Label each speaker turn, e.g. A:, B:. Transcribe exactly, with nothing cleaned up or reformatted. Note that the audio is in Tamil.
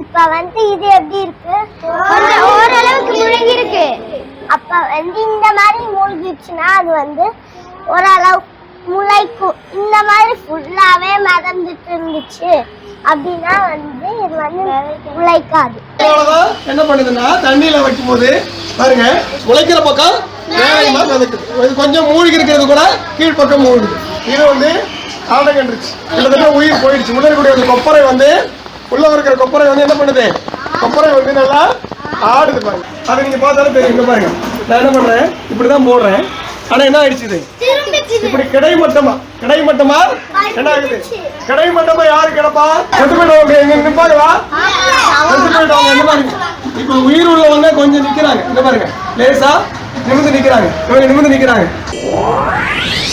A: இப்ப வந்து இது எப்படி இருக்கு? கொஞ்சம் ஓரளவுக்கு முழுகி இருக்கு. அப்ப வந்து இந்த மாதிரி மூழ்கிடுச்சுன்னா அது வந்து ஓரளவு முளைக்கும். இந்த மாதிரி ஃபுல்லாவே மிதந்துட்டு இருந்துச்சு அப்படின்னா வந்து இது வந்து முளைக்காது.
B: என்ன பண்ணுதுன்னா தண்ணியில வைக்கும் போது பாருங்க முளைக்கிற பக்கம் வேகமா மிதக்குது. இது கொஞ்சம் மூழ்கி இருக்கிறது கூட கீழ்பக்கம் மூழ்குது. இது வந்து ஆடகன்றுச்சு. கிட்டத்தட்ட உயிர் போயிடுச்சு. உள்ள இருக்கக்கூடிய அந்த கொப்பரை வந்து உள்ள இருக்கிற கொப்பரை வந்து என்ன பண்ணுது? கொப்பரை வந்து நல்லா ஆடுது பாருங்க. அதை நீங்க பார்த்தாலும் தெரியும். பாருங்க நான் என்ன பண்றேன், இப்படிதான் போடுறேன். ஆனா என்ன ஆயிடுச்சு? இது இப்படி கிடைமட்டமா கிடைமட்டமா என்ன ஆகுது? கிடைமட்டமா யாரு கிடப்பா? செத்து போயிடுவாங்க. எங்க நிப்பாங்களா? செத்து போயிடுவாங்க. என்ன பாருங்க, இப்ப உயிர் உள்ளவங்க கொஞ்சம் நிக்கிறாங்க. இந்த பாருங்க லேசா நிமிந்து நிக்கிறாங்க. இவங்க நிமிந்து நிக்கிறாங்க.